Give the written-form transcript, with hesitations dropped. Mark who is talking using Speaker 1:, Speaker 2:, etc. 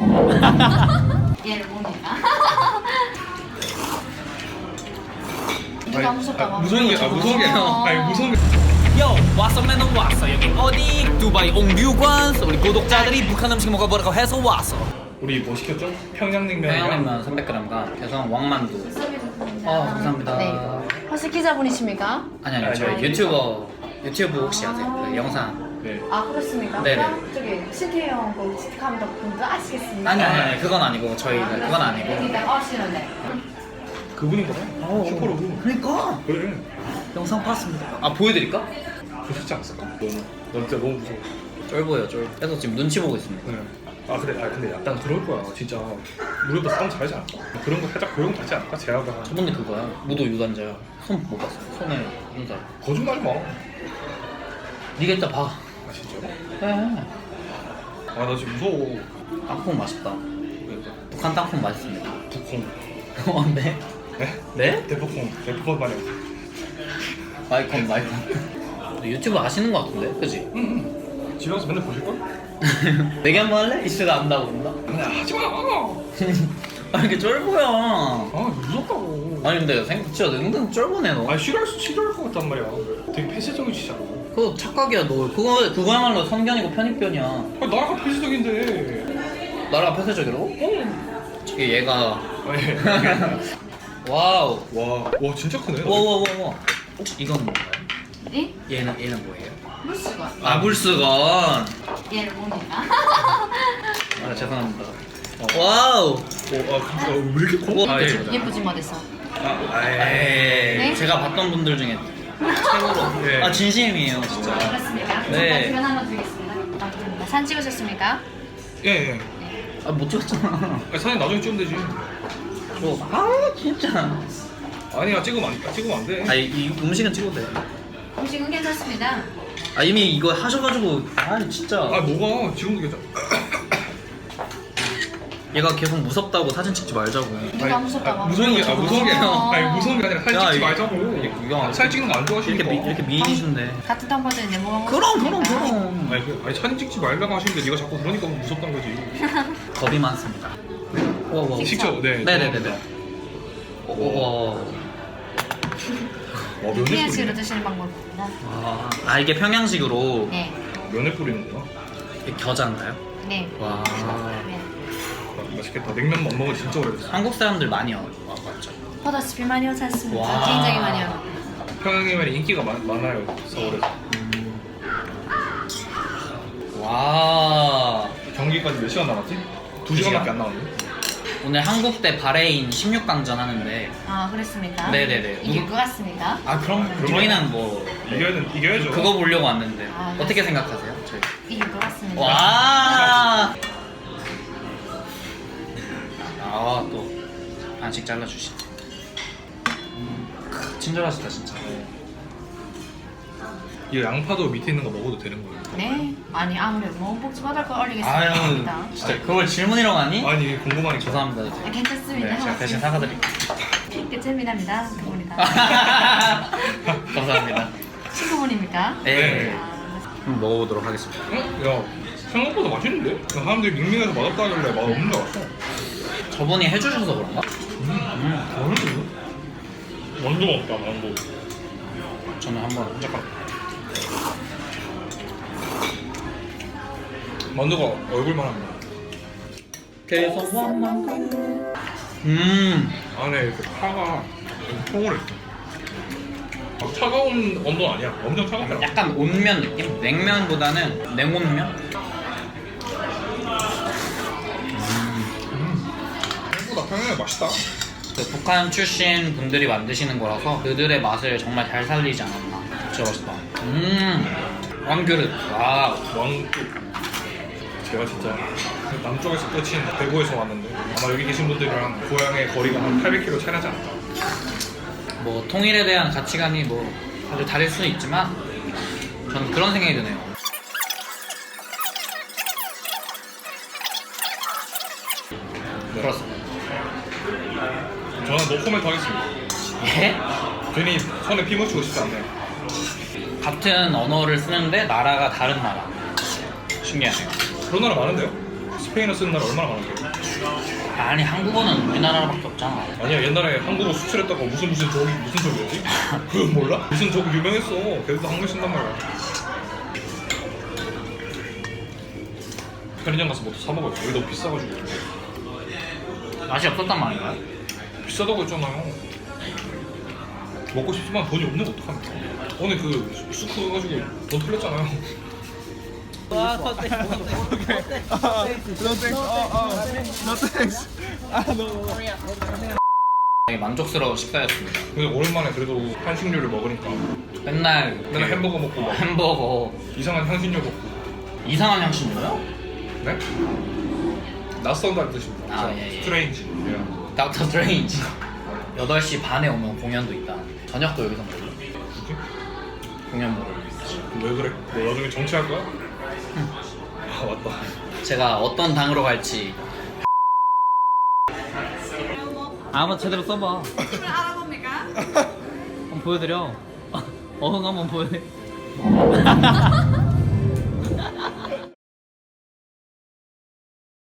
Speaker 1: 얘를 봅니다. 누가 무섭다고?
Speaker 2: 무서운 게 무서운 게.
Speaker 3: 요 왔어맨은 왔어. 여기 어디? 두바이 옹류관. 우리 구독자들이 북한 음식 먹어보라고 해서 왔어.
Speaker 2: 우리 뭐 시켰죠? 평양냉면이랑
Speaker 3: 평양냉면 300g과 개성 왕만두. 감사합니다.
Speaker 1: 네. 혹시 기자분이십니까?
Speaker 3: 아니 저희 유튜브 혹시 아세요? 그 영상.
Speaker 2: 네.
Speaker 1: 아 그렇습니까?
Speaker 3: 네네.
Speaker 1: 그럼 저기 신태영 그 시티카메라 분도 아시겠습니까?
Speaker 3: 아니 그건 아니고 저희가 그건 아니고.
Speaker 1: 일단 아시는데.
Speaker 2: 그분인 거야? 슈퍼로브.
Speaker 3: 그러니까
Speaker 2: 그래.
Speaker 3: 영상 봤습니다. 아 보여드릴까?
Speaker 2: 보셨지 않았을까? 너 진짜 너무 무서워.
Speaker 3: 쫄보예요 쫄. 그래서 지금 눈치 보고 있습니다.
Speaker 2: 네. 아 그래. 아 근데 약간 그럴 거야. 진짜 우리보다 싸움 잘하지 않을까? 그런 거 살짝 그런 거 같지 않을까? 제아가
Speaker 3: 저번에 그거야. 무도 유단자야. 손 못 봤어. 손에 눈살.
Speaker 2: 거짓말 마.
Speaker 3: 네가 이따 봐.
Speaker 2: 아 진짜?
Speaker 3: 해.
Speaker 2: 아 나 지금 무서워.
Speaker 3: 땅콩 맛있다.
Speaker 2: 그러니까
Speaker 3: 북한 땅콩 맛있습니다.
Speaker 2: 북콩.
Speaker 3: 어, 네?
Speaker 2: 네?
Speaker 3: 네?
Speaker 2: 대포콩 말이야.
Speaker 3: 마이콘. 유튜브 아시는 거 같은데, 그지?
Speaker 2: 응. 집에 가서 맨날 보실 걸?
Speaker 3: 내기 한번 할래? 이슈가 안다고 그런다?
Speaker 2: 근데 하지 마.
Speaker 3: 아 이게 쫄보야.
Speaker 2: 아 무섭다고.
Speaker 3: 아니 근데 진짜 은근 쫄보네 너.
Speaker 2: 아 싫어할 것 같단 말이야. 되게 폐쇄적이시잖아.
Speaker 3: 그거 착각이야 너. 그거야말로 선견이고 편입견이야.
Speaker 2: 아 나라가 폐쇄적인데.
Speaker 3: 나라가 폐쇄적이라고?
Speaker 2: 어.
Speaker 3: 저기 얘가
Speaker 2: 아니.
Speaker 3: 와우.
Speaker 2: 와 진짜 크네.
Speaker 3: 와와와와. 혹시 이건 뭔가요?
Speaker 1: 네?
Speaker 3: 얘는 뭐예요?
Speaker 1: 물수건.
Speaker 3: 아 물수건.
Speaker 1: 얘를 봅니다.
Speaker 3: 아 죄송합니다. 와우.
Speaker 2: 왜 이렇게 커?
Speaker 3: 아, 예.
Speaker 1: 예쁘지 못해서.
Speaker 3: 에이,
Speaker 1: 네?
Speaker 3: 제가 봤던 분들 중에 최고로.
Speaker 2: 네.
Speaker 3: 아 진심이에요 진짜.
Speaker 1: 그렇습니까?
Speaker 3: 네.
Speaker 1: 잠깐 하나 드리겠습니다. 부탁드립니다. 사진 찍으셨습니까?
Speaker 2: 예 예.
Speaker 3: 아 못 찍었잖아.
Speaker 2: 아, 사진 나중에 찍으면 되지.
Speaker 3: 아 진짜.
Speaker 2: 아니야 찍으면 안 돼.
Speaker 3: 아 이 음식은 찍어도 돼.
Speaker 1: 음식은 괜찮습니다.
Speaker 3: 아 이미 이거 하셔가지고 아 진짜.
Speaker 2: 아 뭐가 지금도 괜찮아.
Speaker 3: 얘가 계속 무섭다고 사진 찍지 말자고.
Speaker 1: 누가 무섭다고?
Speaker 2: 무서운 게 무서운 게
Speaker 1: 어.
Speaker 2: 아니 무서운 게 아니라 사진
Speaker 3: 야,
Speaker 2: 찍지
Speaker 3: 이거-
Speaker 2: 말자고.
Speaker 3: 이거
Speaker 2: 사진 찍는 거 안 좋아하시니까.
Speaker 3: 이렇게 미인이신데.
Speaker 1: 같은 텀버들인데 뭐가
Speaker 3: 그럼.
Speaker 2: 아니 사진 찍지 말라고 하시는데 네가 자꾸 그러니까 무섭단 거지.
Speaker 3: 겁이 많습니다. 와.
Speaker 2: 식초 네.
Speaker 3: 네네네네. 와.
Speaker 2: 면에
Speaker 1: 평양식으로
Speaker 2: 뿌리네.
Speaker 1: 드시는 방법입니다.
Speaker 3: 아 이게 평양식으로
Speaker 1: 네.
Speaker 2: 면에 뿌리는구나.
Speaker 3: 이게 겨자인가요?
Speaker 1: 네.
Speaker 3: 와.
Speaker 1: 네.
Speaker 2: 아, 맛있겠다. 냉면 못 먹은 지 진짜 오래됐어.
Speaker 3: 한국 사람들 많이 와봤죠.
Speaker 1: 포도스피 많이 오지 않습니까?
Speaker 3: 와.
Speaker 1: 굉장히 많이 와요.
Speaker 2: 평양냉면이 인기가 많아요 서울에서.
Speaker 3: 와.
Speaker 2: 경기까지 몇 시간 남았지? 2시간밖에 안 남았네.
Speaker 3: 오늘 한국 대 바레인 16강전 하는데.
Speaker 1: 아 그랬습니까?
Speaker 3: 네네네.
Speaker 1: 이길 것 같습니다.
Speaker 3: 아 그럼 저희는 뭐
Speaker 2: 이겨야죠.
Speaker 3: 그거 보려고 왔는데
Speaker 1: 아,
Speaker 3: 어떻게 생각하세요? 저희.
Speaker 1: 이길 것 같습니다.
Speaker 3: 와. 또 반씩 잘라주시네. 친절하시다 진짜.
Speaker 2: 이 양파도 밑에 있는 거 먹어도 되는 거예요?
Speaker 1: 네. 아니 아무래도 뭐 복지 받을 거 올리겠습니다.
Speaker 3: 아유 진짜 그걸 질문이라고 하니?
Speaker 2: 아니 궁금하니까.
Speaker 3: 죄송합니다.
Speaker 1: 아, 괜찮습니다.
Speaker 3: 네, 제가 대신 사과드릴게요.
Speaker 1: 끝입니다. 그분이다.
Speaker 3: 감사합니다.
Speaker 1: 친구분입니까?
Speaker 3: 네.
Speaker 1: 아,
Speaker 3: 한번 먹어보도록 하겠습니다.
Speaker 2: 야 생각보다 맛있는데? 사람들이 밍밍해서 맛없다 하길래 맛없는 줄 알았어.
Speaker 3: 저분이 해주셔서 그런가?
Speaker 2: 완전 없다 망고.
Speaker 3: 저는 한번
Speaker 2: 잠깐. 만두가 얼굴만 합니다.
Speaker 3: 계속 원망.
Speaker 2: 안에 이렇게 파가 통을 했어. 막 차가운 온도는 아니야. 엄청 차갑더라.
Speaker 3: 약간 온면 느낌? 냉면보다는 냉온면?
Speaker 2: 생각보다 평양이 맛있다.
Speaker 3: 그 북한 출신 분들이 만드시는 거라서 그들의 맛을 정말 잘 살리지 않았나. 진짜 맛있다. 왕그릇. 와.
Speaker 2: 왕국. 제가 진짜 남쪽에서 끝인 대구에서 왔는데 아마 여기 계신 분들이랑 고향의 거리가 한 800km 차이 나지 않을까.
Speaker 3: 뭐 통일에 대한 가치관이 뭐 다들 다를 수는 있지만 저는 그런 생각이 드네요.
Speaker 2: 네.
Speaker 3: 그렇습니다.
Speaker 2: 저는 노코멘트 하겠습니다.
Speaker 3: 예?
Speaker 2: 괜히 손에 피 묻히고 싶지 않네요.
Speaker 3: 같은 언어를 쓰는데 나라가 다른 나라. 신기하네요.
Speaker 2: 그런 나라 많은데요? 스페인어 쓰는 나라 얼마나 많은데?
Speaker 3: 아니 한국어는 우리나라밖에 없잖아.
Speaker 2: 아니야 옛날에 한국어 수출했다가 무슨 족이 무슨 족이었지? 그거 몰라? 무슨 족 유명했어. 걔들도 한국어 쓴단 말이야. 편의점 가서 뭐 사 먹어요. 여기 너무 비싸가지고.
Speaker 3: 맛이 없었단 말인가요?
Speaker 2: 비싸다고 했잖아요. 먹고 싶지만 돈이 없는 거 어떡합니까? 오늘 그 수크 가지고 돈 틀렸잖아요.
Speaker 4: No thanks.
Speaker 3: 되게 만족스러운 식사였습니다.
Speaker 2: 근데 오랜만에 그래도 한식류를 먹으니까
Speaker 3: 맨날
Speaker 2: 맨날 햄버거 먹고 막
Speaker 3: 햄버거
Speaker 2: 이상한 향신료 먹고.
Speaker 3: 이상한 향신료요?
Speaker 2: 네? 낯선다는 뜻입니다.
Speaker 3: 아, 예, 예.
Speaker 2: 스트레인지. 예.
Speaker 3: 닥터 스트레인지 8시 반에 오면 공연도 있다. 저녁도 여기서 먹을래?
Speaker 2: 뭐지?
Speaker 3: 공연 먹을래?
Speaker 2: 왜 그래? 너 나중에 정치할 거야? 아 맞다.
Speaker 3: 제가 어떤 당으로 갈지
Speaker 4: 한번 제대로 써봐.
Speaker 1: 알아봅니까?
Speaker 4: 한번 보여드려. 어흥 한번 보여드려.